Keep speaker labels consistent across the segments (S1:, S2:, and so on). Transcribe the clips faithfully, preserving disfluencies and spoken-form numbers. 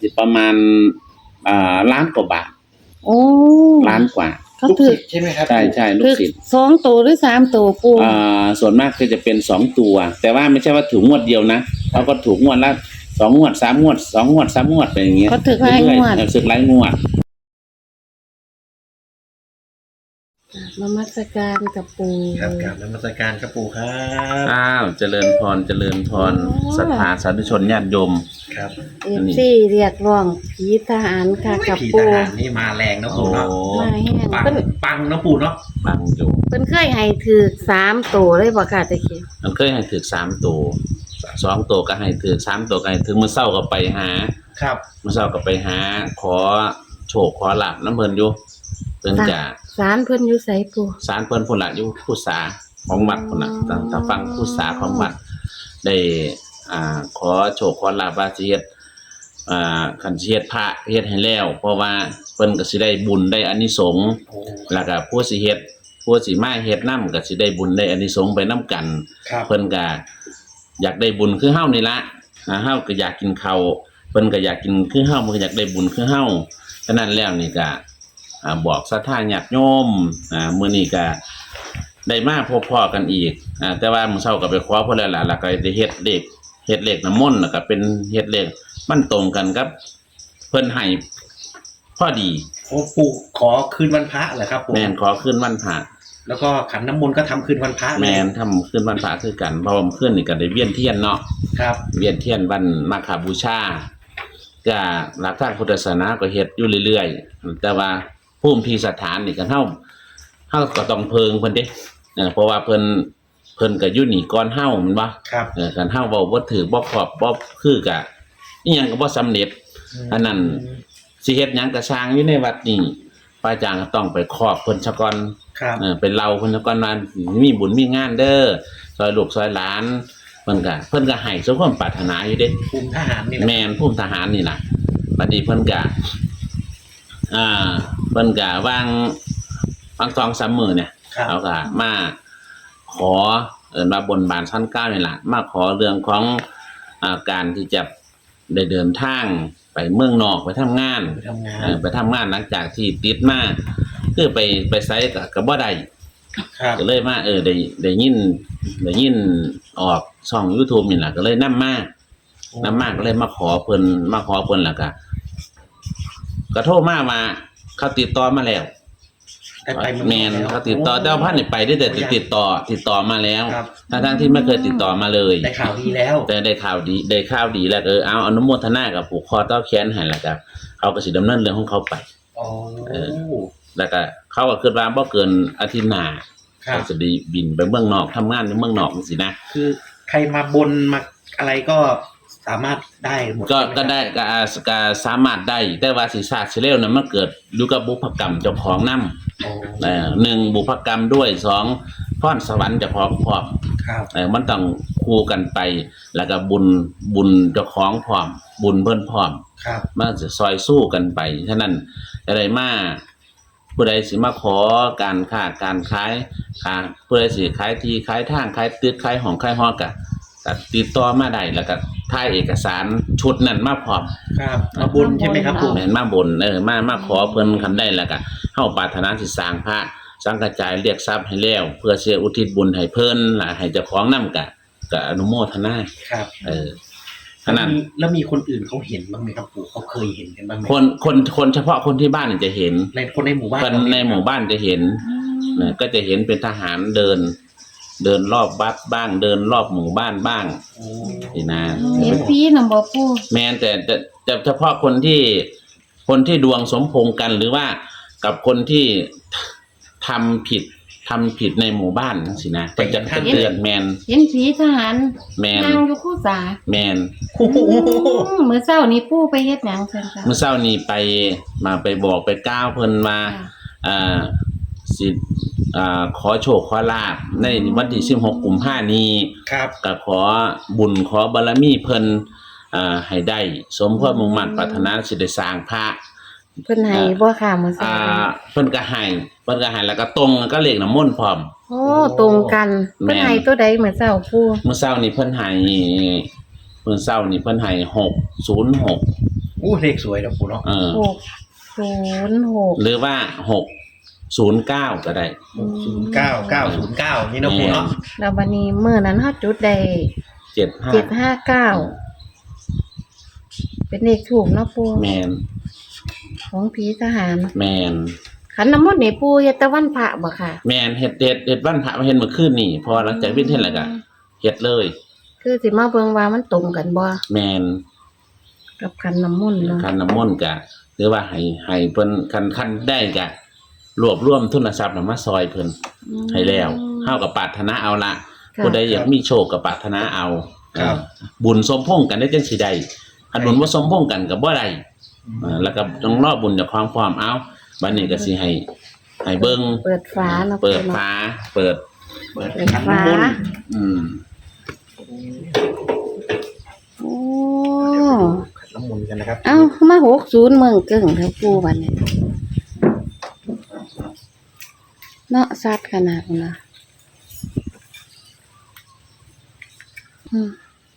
S1: สิประมาณอ่าล้านกว่าบาท
S2: โอ้
S1: ล้านกว่า
S2: เขาถือ
S3: ใช่ไหมครับ
S1: ใช่ใช่ลูกศิษย์
S2: สองตัวหรือสามตัวปู
S1: อ่าส่วนมากก็จะเป็นสองตัว แต่ว่าไม่ใช่ว่าถูกงวดเดียวนะเขาก็ถูกงวดละสองงวดสามงวดสองงวดสามงวดไปอย่างเงี้ย
S2: เขาถือหลายงวด
S1: สึกหลายงวด
S2: นมัสการกับปู
S3: ครับกราบนมัสการครับปู่ครับ
S1: อ้าวเจริญพรเจริญพรศรัทธาสาธุชนญาติโยม
S3: ครับ
S2: เอฟซีเรียกร้องผีทหารค่ะกับ
S3: ผี
S2: ปู
S3: ทหารนี่มาแรงนะปู่เนาะ
S2: มาแห้ง
S3: ปัง
S2: เพิ่น
S3: ปังนะปู่เนาะ
S1: ปังอยู่
S2: เพิ่นเคยให้ถือสามตัวเลยบ่ค่ะตะกี้
S1: มันเคยให้ถือสามตัวสองตัวก็ให้ถือสามตัวก็ให้ถือมื้อเช้าก็ไปหา
S3: ครับ
S1: มื้อเช้าก็ไปหาขอโชคขอลาภน้ำเพิ่นอยู่เพิ่นจะ
S2: ศาลเพิ่นอยู่ไสปู
S1: ศาลเพิ่นพุ่นล่ะอยู่ผู้สาของวัดพุ่นน่ะทางทางฝั่งผู้สาของวัดได้อ่าขอโชคขอลาภว่าสิเฮ็ดอ่าคันสิเฮ็ดพระเฮ็ดให้แล้วเพราะว่าเพิ่นก็สิได้บุญได้อานิสงส์แล้วก็ผู้สิเฮ็ดผู้สิมาเฮ็ดนำก็สิได้บุญได้อานิสงส์ไปนำกันเพิ่นก็อยากได้บุญคือเฮานี่ล่ะอ่าเฮาก็อยากกินข้าวเพิ่นก็อยากกินคือเฮาเพิ่นก็อยากได้บุญคือเฮาฉะนั้นแล้วนี่ก็อ่าบอกศรัทธาญาติโยมอ่ามื้อนี้ก็ได้มาพบพ้อกันอีกอ่าแต่ว่ามื้อเช้าก็ไปขอเพิ่นแล้วล่ะแล้วก็ได้เฮ็ดเลขเฮ็ดเลขน้ำมนต์แล้วก็เป็นเฮ็ดเลขมันตรงกันกับเพิ่นให้พอดี
S3: โอ้ปู่ขอคืนวันพระเหรอครับปู่
S1: แม่นขอคืนวันพระ
S3: แล้วก็ขันน้ำมนต์ก็ทำคืนวันพระ
S1: แม่นทำคืนวันพระคือกันเพราะว่าคืนนี่ก็ได้เวียนเทียนเนาะ
S3: ครับ
S1: เวียนเทียนวันมาฆบูชาก็หลักทางพุทธศาสนาก็เฮ็ดอยู่เรื่อยๆแต่ว่าภูมิที่สถานนี่ก็เฮาเฮาก็ต้องเพิงเพิ่นเด้เออเพราะว่าเพิ่นเพิ่นก็อยู่นี่ก่อนเฮาแม่นบ่
S3: ครับ
S1: เออคันเฮาเว้าบ่ถูกบ่ครอบบ่คือก็อิหยังก็บ่สำเร็จอันนั้นสิเฮ็ดหยังก็สร้างอยู่ในวัดนี่พระอาจารย์ก็ต้องไปครอบเพิ่นซะก่อน
S3: ครับ
S1: เออเป็นเราเพิ่นซะก่อนว่ามีบุญมีงานเด้อซอยลูกซอยหลานเพิ่นก็เพิ่นก็ให้สมความปรารถนาอยู่เด้
S3: ภูมิทหารนี่
S1: แม่นภูมิทหารนี่ล่ะบัดนี้เพิ่นก็อ่าเพิ่นก็วางวางสองสามมื้อเนี่ยเขาก็มาขอเอิ้นว่าบนบานชั้นเก้านี่ล่ะมาขอเรื่องของอ่าการที่จะได้เดินทางไปเมืองนอกไปทำงาน
S3: ไปทำงาน
S1: เออไปทำงานหลังจากที่ติดมาคือไปไปไสก็ก็บ่ได้
S3: ครับ
S1: ก็เลยมาเออได้ได้ยินได้ยินออกช่อง YouTube นี่ล่ะก็เลยนำมานำมาก็เลยมาขอเพิ่นมาขอเพิ่นแล้วก็ก็โทรมาว่าเขาติดต่อมาแล้วแม่นเขาติดต่อแต่ว่าพันนี่ไปได้แต่ติดต่อติดต่อมาแล้วทั้งๆที่ไม่เคยติดต่อมาเลย
S3: ได้ข่าวดีแล้ว
S1: แต่ได้ข่าวดีได้ข่าวดีแล้วเออเอาอนุโมทนากับผูกคอต่อแขนให้แล้วก็เขาก็สิดำเนินเรื่องของเขาไป
S3: อ๋อ
S1: เออแล้วก็เขาก็คิดว่าบ่เกินอาทิตย์หน้าเขาจะได้บินไปเมืองนอกทำงานในเมืองนอกจังซี่นะ
S3: คือใครมาบนมาอะไรก็สามารถได้หมด
S1: ก็ก็ได้ก็ก็สามารถได้แต่ว่าสิซาสิเร็วนั้นมันเกิดอยู่กับบุพกรรมเจ้าของนำเอ่อหนึ่งบุพกรรมด้วยสองพรสวรรค์เจ้าของพร้อม
S3: ครับ
S1: เออมันต้องคู่กันไปแล้วก็บุญบุญเจ้าของพร้อมบุญเพิ่นพร้อม
S3: ครับ
S1: มันจะซอยสู้กันไปฉะนั้นอะไรมาผู้ใดสิมาขอการค้าการขายค่ะผู้ใดสิขายที่ขายทางขายตึกขายห้องขายหอก็ก็ติดต่อมาได้แล้วก็ถ่ายเอกสารชุดนั้นมาพร้อม
S3: ครับมาบนใช่ไหมครับปู่
S1: แม่นมาบนเออมามาขอเพิ่นคันได้แล้วก็เฮาปรารถนาสิสร้างพระสังฆจายเรียกทรัพย์ให้แล้วเพื่อเสียอุทิศบุญให้เพิ่นล่ะให้เจ้าของนำก็ก็อนุโมทนา
S3: ครับ
S1: เออ
S3: ขนาดแล้วมีคนอื่นเขาเห็นบ้างไหมครับปู่เขาเคยเห็นกันบ้างไหม
S1: คนคนคนเฉพาะคนที่บ้านจะเห็น
S3: ในคนในหมู่บ้าน
S1: คนในหมู่บ้านจะเห็นก็จะเห็นเป็นทหารเดินเดินรอบวัดบ้างเดินรอบหมู่บ้านบ้างนี่นะ
S2: เห็นผีนำบ่ปู่
S1: แม่นแต่แต่เฉพาะคนที่คนที่ดวงสมพงษ์กันหรือว่ากับคนที่ทำผิดทำผิดในหมู่บ้านสินะก็จะเตือนแมน
S2: เห็นผีทหาร
S1: แมน
S2: นั่งอยู่คู่สา
S1: แมน
S2: มื้อเช้านี้ปู่ไปเฮ็ดหยังเพิ่นค่ะ
S1: มื้อเช้านี้ไปมาไปบอกไปกล่าวเพิ่นว่าอ่าสิอ่าขอโชคขอลาภในวันที่สิบหกกุมภาพันธ์นี้
S3: ครับ
S1: ก็ขอบุญขอบารมีเพิ่นอ่าให้ได้สมความมุ่งมั่นปรารถนาสิได้สร้างพระ
S2: เพิ่นให้บ่ค่ะมื้อเช้า
S1: อ่าเพิ่นก็ให้เพิ่นก็ให้แล้วก็ตรงก็เลขน้ำมนต์พร้อม
S2: โอ้ตรงกันเพิ่นให้ตัวใดมื้อเช้าปู่
S1: มื้อเช้านี้เพิ่นให้มื้อเช้านี้เพิ่นให้หกศูนย์หก
S3: โอ้เลขสวยนะปู่เนาะ
S1: เออ
S2: หกศูนย์หก
S1: หรือว่าหกศูนย์เก้าก็ได้
S3: หกศูนย์เก้าเก้าศูนย์เก้านี่นะปู่เนาะ
S2: แล้วบัดนี้เมื่อนั้นเฮาจุดได้
S1: เจ็ดห้า
S2: เจ็ดห้าเก้าเป็นเลขถูกเนาะปู่
S1: แมน
S2: ของผีทหาร
S1: แมน
S2: ขันน้ำมนต์นี่ปู่เฮ็ดแต่วันพระบ่ค่ะ
S1: แมนเฮ็ดเฮ็ดเฮ็ดวันพระมาเฮ็ดเมื่อคืนนี่พอหลังจากวิ่งเฮ็ดแล้วก็เฮ็ดเลย
S2: คือสิมาเบิ่งว่ามันตรงกันบ่
S1: แมน
S2: กับขันน้ำมนต์เนาะ
S1: คันน้ำมนต์ก็หรือว่าให้ให้เพิ่นคันคันได้ก็รวบรวมทุนทรัพย์น่ะมาซอยเพิ่นให้แล้วเฮาก็ปรารถนาเอาละ
S2: ค่ะ
S1: ผู้ใดอยากมีโชคก็ปรารถนาเอา
S3: ครับ
S1: บุญสมพงษ์กันได้จังสิได้คันบุญบ่สมพงษ์กันก็บ่ได้อ่าแล้วก็ต้องรอบุญจากความพร้อมเอาบัดนี้ก็สิให้ให้เบิ่ง
S2: เปิดฝาเนาะ
S1: เปิด
S2: ปู่
S1: ฟ้าเปิด
S3: เปิด
S2: เปิด
S3: ขัน
S2: ฝา
S3: น้ำมนต์
S1: อืม
S2: โอ้
S3: ขันน้ำมนต์กันนะครับ
S2: เอ้ามาหกศูนย์เมืองเกิ่งเท่าปู่บัดนี้เนาะซัดขนาดนั้นนะอืม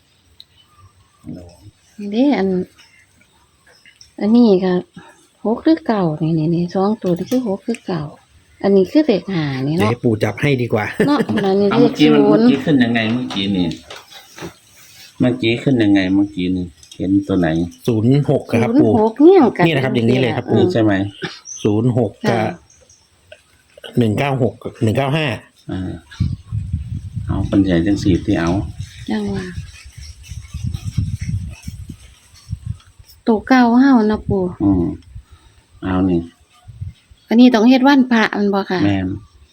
S2: นี่เด้อัน อันนี้ก็หกคือเก่านี่นี่นี่สองตัวนี่คือหกคือเก่า อันนี้คือเลขห้านี่
S3: เดี๋ยว
S2: เนาะ
S3: ให้ปู่จับให้ดีกว่า
S2: เนาะอันนี้
S1: เอา
S2: เล
S1: เมื่
S2: ข
S1: อกี้มัน
S2: ศู
S1: เมื่
S2: น
S1: อ
S2: ย์
S1: กี้ขึ้นยังไงเมื่อกี้นี่เมื่อกี้ขึ้นยังไงเมื่อกี้นี่เห็นตัวไหน
S3: ศูนย์หกครับ
S2: ศูนย์
S3: ปู่
S2: หกเนี่ยกัน
S3: นี่นะครับอย่างนี้เลยครับปู่
S1: นี่ใช่ไหม
S3: ศูนย์หกกั
S2: ค่ะ
S3: บหนึ่งเก้าหกหนึ่งเก้าห้า
S1: อ่าเอาปัญญาจังสีที่เอา
S2: จังว่าตัวเก่าเฮานะปู่
S1: อืมเอานี่
S2: อันนี้ต้องเฮ็ดวันพระมันบ่ค่ะ
S1: แมน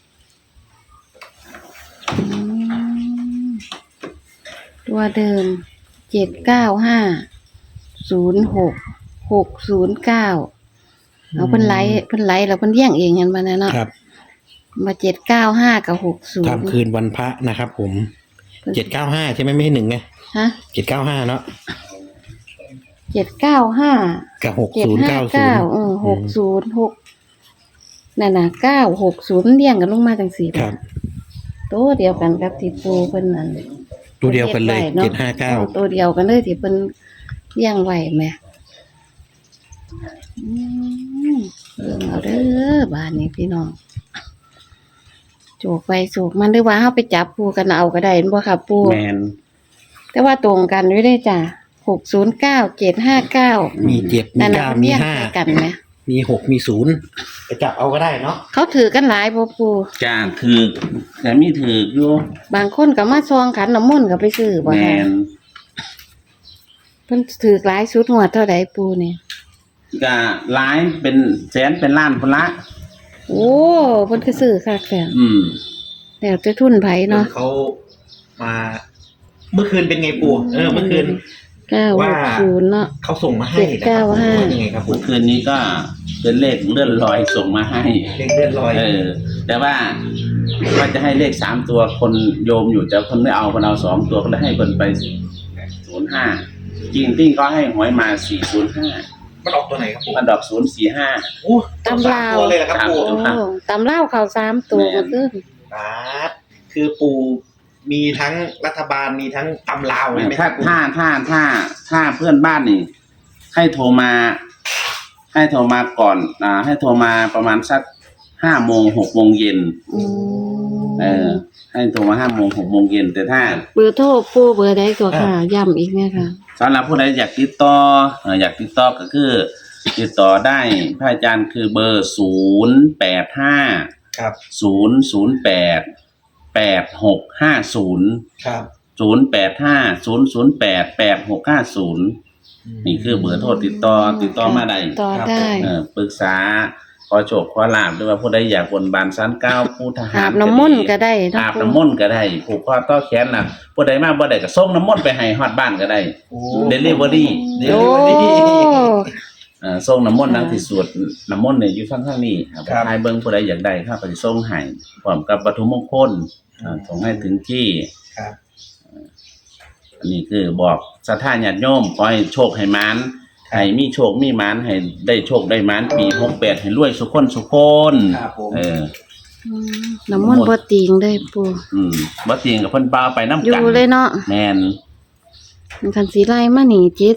S2: อืมตัวเดิมเจ็ดเก้าห้าศูนย์หกหกศูนย์เก้าเอาเพิ่นไลฟ์เพิ่นไลฟ์แล้วเพิ่นเลี้ยงเองกันมาแน่เนาะ
S3: ครับ
S2: มาเจ็ดเก้าห้ากับหกศูนย์
S3: ทำคืนวันพระนะครับผมเจ็ดเก้าห้าใช่ไหมไม่ใช่หนึ่งไง
S2: ฮะ
S3: เจ็ดเก้าห้าเนาะ
S2: เจ็ดเก้าห้า
S3: กับหก
S2: เจ็ด
S3: ศูนย์
S2: ห้า
S3: เก้าศูน
S2: เก้า
S3: ย์
S2: เออหกศูนย์หกนั่นน่ะเก้าหกศูนย์เลี้ยงกันลงมาจังสี่
S3: ครับ
S2: ตัวเดียวกันกับที่ปูเพิ่นนั่น
S3: ตัวเดียวกันเลย
S2: นาะ
S3: เจ็ดห้าเก้า
S2: ตัวเดียวกันเลยที่เพิ่นเลี้ยงไว้แหม่อืมเบิ่งเอาเด้อบ้านนี้พี่น้องโจกไปโจกมันหรือว่าเฮาไปจับปูกันเอาก็ได้เห็นบ่ค่ะปู
S1: แมน
S2: แต่ว่าตรงกันอยู่ได้จ้ะหกศูนย์เก้าเจ็ดห้าเก้า
S3: มีเจ็ดมี
S2: นั่นน่ะ
S3: เก้า
S2: เพิ่น
S3: มี
S2: เลี้ยง
S3: ห้า
S2: ใส่กันไหม
S3: มีหกมีศูนย์ไปจับเอาก็ได้เนาะ
S2: เขาถือกันหลายบ่ปู
S1: จ้าถือแต่มีถืออยู่
S2: บางคนก็มาซองขันน้ำมนต์ก็ไปซื้อบ่
S1: แม
S2: ค่ะ
S1: น
S2: เพิ่นถือหลายชุดงวดเท่าใดปูนี่
S1: ก็หลายเป็นแสนเป็นล้านพุ่นละ
S2: โอ้เพิ่นก็ซื้อคักแท้
S1: อืม
S2: แล้วแต่ทุนไผเนาะ
S3: เขามา เมื่อคืนเป็นไงปู่เออเมื่อคืน
S2: เก้าหกศูนย์เนาะ
S3: เขาส่งมาให้
S2: เจ็ดเก้าห้า
S3: ว่ายังไงครับปู่
S1: เมื่อคืนนี้ก็เป็นเลขเลื่อนลอยส่งมาให้
S3: เลขเลื่อนลอย
S1: เออ แต่ว่าว่าจะให้เลขสามตัวคนโยมอยู่แต่คนไม่เอาคนเอาสองตัวก็เลยให้คนไปศูนย์ห้าจริงที่ก็ให้หวยมาสี่ศูนย์ห้า
S3: มันออกตัวไหนครับปู่
S1: มันดอกศูนย์สี่ห้า
S3: โอ้สามตัวเลยเหรอครับปู่
S1: ตาม
S2: โอ้ตำเล่าวเข้าสามตัวก็คือ
S3: ครับคือปู่มีทั้งรัฐบาลมีทั้งตำลาวใช่ไหมค
S1: ถ้า
S3: รับปู่
S1: ถ้าถ้าถ้าถ้าเพื่อนบ้านนี่ ให้โทรมา ให้โทรมาก่อนอ่าให้โทรมาประมาณสักห้าโมงหกโมงเย็น
S2: อืม
S1: เออ ให้โทรมาห้าโมงหกโมงเย็นแต่ถ้า
S2: เบอร์โทรปูเบอร์ใดก็ค่ะย้ำอีกเนี่ยค่ะ
S1: สำหรับผู้ใดอยากติดต่อเอ่ออยากติดต่อก็คือ ติดต่อได้พระอาจารย์คือเบอร์ศูนย์แปดห้า
S3: ครับ
S1: ศูนย์ศูนย์แปดแปดหกห้าศูนย์
S3: ครับ
S1: ศูนย์แปดห้าศูนย์ศูนย์แปดแปดหกห้าศูนย์นี่คือเบอร์โทรติดต่อติดต่อมาได้
S2: ต่อได้
S1: เออปรึกษาขอโชคขอลาบด้วยว่าผู้ใดอยากบนบานสันเก้าผู้ทหาร
S2: อาบน้ำมนต์ก็ได้เนาะ
S1: อาบ
S2: ปู
S1: น้ำมนต์ก็ได้ผูกคอต่อแขนน่ะผู้ใดมาบ่ได้ก็ส่งน้ำมนต์ไปให้ฮอดบ้านก็ได้
S3: โอ้
S1: Delivery
S2: โอ้
S1: เอ่อส่งน้ำมนต์นังที่สวดน้ำมนต์เนี่ยอยู่ข้างๆนี้ครับ
S3: ครับ
S1: ใครเบิ่งผู้ใดอยากได้ข้าก็สิส่งให้พร้อมกับวัตถุมงคลอ่าส่งให้ถึงที่
S3: ครับ
S1: อันนี้คือบอกศรัทธาญาติโยมขอให้โชคให้หมานให้มีโชคมีหมานให้ได้โชคได้หมานปีหกแปดให้รวยสุขคนสุขคน
S3: ครับผม
S1: เออ
S2: อืมน้ำมนต์บ่ติงเลยปู
S1: อืมบ่เตียงกับเพิ่นปาไปน้ำ
S2: อยู่
S1: กัน
S2: เลยเนาะ
S1: แม่น
S2: มันคันสีไล่มานี่เจ็ด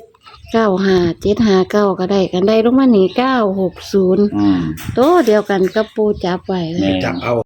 S2: เก้าห้าเจ็ดห้าเก้าก็ได้กันได้ลงมานี่เก้าหกศูนย์
S1: อืม
S2: โตเดียวกันกับปูจับไว้เลย
S1: แม่
S3: จับเอา